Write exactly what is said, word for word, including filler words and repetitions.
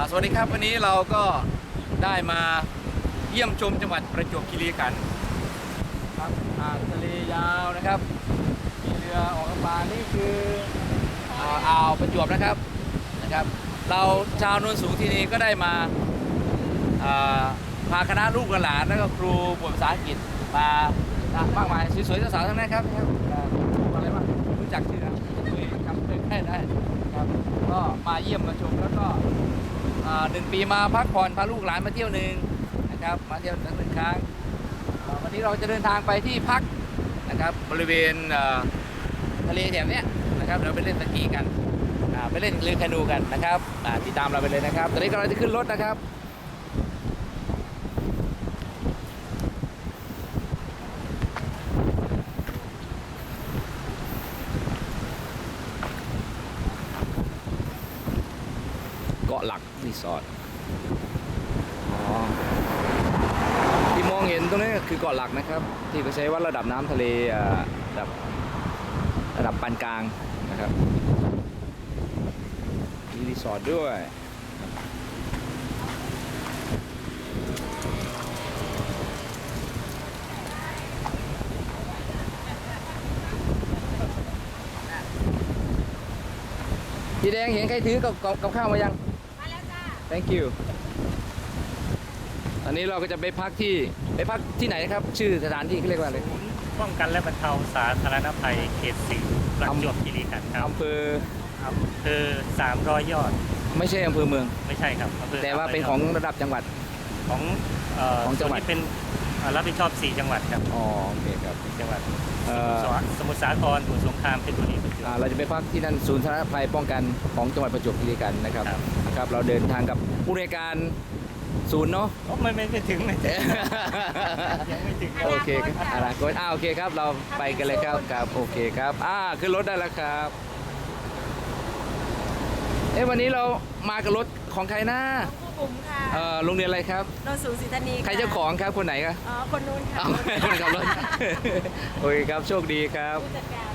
สวัสดีครับวันนี้เราก็ได้มาเยี่ยมชมจังหวัดประจวบคีรีขันธ์ครับอ่างทะเลยาวนะครับมีเรือออกกำลังนี่คืออ่าอ่าวประจวบนะครับนะครับ เราชาวโนนสูงที่นี่ก็ได้มาอ่าพาคณะลูกหลานแล้วก็ครูบทภาษาอังกฤษมามากมายสวยๆสาวๆทั้งนั้นครับนะครับอ่าอะไรบ้างรู้จักชื่อนะคุยคำเผยแพร่ได้ครับก็มาเยี่ยมมาชมแล้วก็อ่าหนึ่งปีมาพักผ่อนพาลูกหลานมาเที่ยวหนึ่งนะครับมาเที่ยวหนึ่งครั้งอ่าวันนี้เราจะเดินทางไปที่พักนะครับบริเวณอ่าทะเลแถบเนี้ยนะครับเราไปเล่นสกีกันอ่าไปเล่นเรือแคนูกันนะครับอ่าติดตามเราไปเลยนะครับตอนนี้กำลังจะขึ้นรถนะครับเกาะหลักรีสอร์ทอ๋อที่มองเห็นตรงนี้คือเกาะหลักนะครับที่เขาใช้วัดระดับน้ำทะเลอ่าระดับระดับปานกลางนะครับมีรีสอร์ทด้วยพี่แดงเห็นใครถือกับกับกับข้าวมายังมาแล้วจ้า thank you ตอนนี้เราก็จะไปพักที่ไปพักที่ไหนครับชื่อสถานที่เขาเรียกว่าอะไรศูนย์ป้องกันและบรรเทาสาธารณภัยเขตสี่ประจวบคีรีขันธ์ครับอำเภออำเภอสามร้อยยอดไม่ใช่อำเภอเมืองไม่ใช่ครับอำเภอแต่ว่าเป็นของระดับจังหวัดของเอ่อของจังหวัดส่นนี้เป็นเอ่อรับผิดชอบสี่จังหวัดครับอ๋อโอเคครับสี่จังหวัดเอ่อสมุทรสาครสมุทรสงครามเพชรบุรีประจวบอ่าเราจะไปพักที่นั่นศูนย์สาธารณภัยป้องกันของจังหวัดประจวบคีรีขันธ์นะครับครับนะครับ เราเดินทางกับผู้ในวยการศูนย์เนาะโอ้ไม่ไม่ไม่ถึงไม่ถึงยังไม่ถึงครับโอเคครับอนาคตอ่าโอเคครับเราไปกันเลยครับครับโอเคครับอ่าขึ้นรถได้แล้วครับเอ๊ะวันนี้เรามากับรถของใครนะครูบุ๋มค่ะเอ่อโรงเรียนอะไรครับโนนสูงศรีธานีใครเจ้าของครับคนไหนครับอ๋อ คนนู้นค่ะเอาคนขับรถ โอเคครับโชคดีครับผู้จัดการ